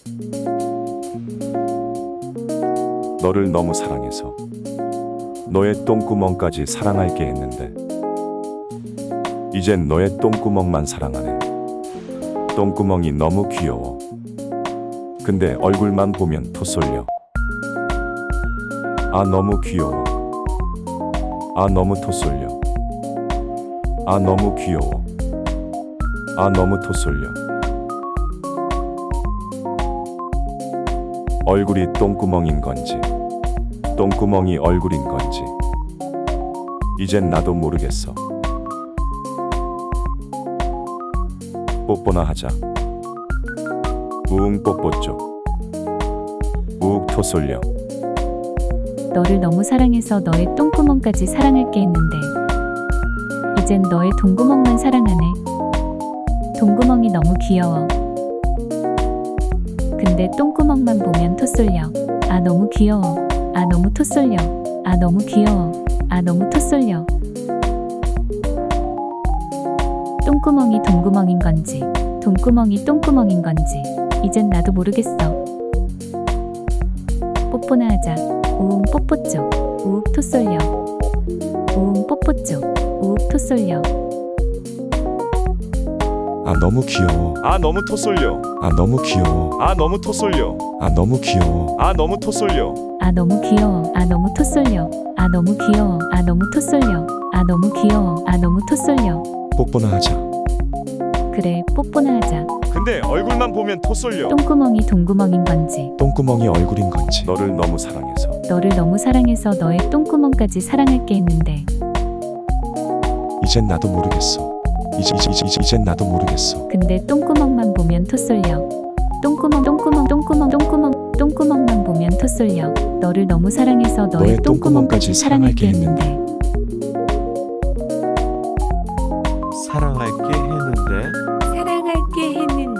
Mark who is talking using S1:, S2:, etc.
S1: 너를 너무 사랑해서 너의 똥구멍까지 사랑할게 했는데 이젠 너의 똥구멍만 사랑하네. 똥구멍이 너무 귀여워. 근데 얼굴만 보면 토 쏠려. 아 너무 귀여워. 아 너무 토 쏠려. 아 너무 귀여워. 아 너무 토 쏠려. 얼굴이 똥구멍인 건지 똥구멍이 얼굴인 건지 이젠 나도 모르겠어. 뽀뽀나 하자. 우웅 뽀뽀 쪽. 우욱 토 쏠려.
S2: 너를 너무 사랑해서 너의 똥구멍까지 사랑할게 했는데 이젠 너의 동구멍만 사랑하네. 동구멍이 너무 귀여워. 근데 똥구멍만 보면 토 쏠려. 아 너무 귀여워. 아 너무 토 쏠려. 아 너무 귀여워. 아 너무 토 쏠려. 똥구멍이 동구멍인 건지 동구멍이 똥구멍인 건지 이젠 나도 모르겠어. 뽀뽀나 하자. 우웅 뽀뽀 쪽. 우욱 토 쏠려. 우웅 뽀뽀 쪽. 우욱 토 쏠려.
S3: 아 너무 귀여워.
S1: 아 너무 토 쏠려.
S3: 아 너무 귀여워.
S1: 아 너무 토 쏠려.
S3: 아 너무 귀여워.
S1: 아 너무 토 쏠려.
S2: 아 너무 귀여워. 아 너무 토 쏠려. 아 너무 귀여워. 아 너무 토 쏠려. 아 너무 귀여워. 아 너무 토 쏠려.
S3: 뽀뽀나 하자.
S2: 그래 뽀뽀나 하자.
S1: 근데 얼굴만 보면 토 쏠려.
S2: 똥구멍이 동구멍인 건지
S3: 똥구멍이 얼굴인 건지.
S1: 너를 너무 사랑해서
S2: 너를 너무 사랑해서 너의 똥구멍까지 사랑할게 했는데
S3: 이젠 나도 모르겠어. 이젠 나도 모르겠어.
S2: 근데 똥구멍만 보면 토 쏠려. 똥구멍만 보면 토 쏠려. 너를 너무 사랑해서 너의 똥구멍까지 사랑할게 했는데
S4: 사랑할게 했는데
S2: 사랑할게 했는데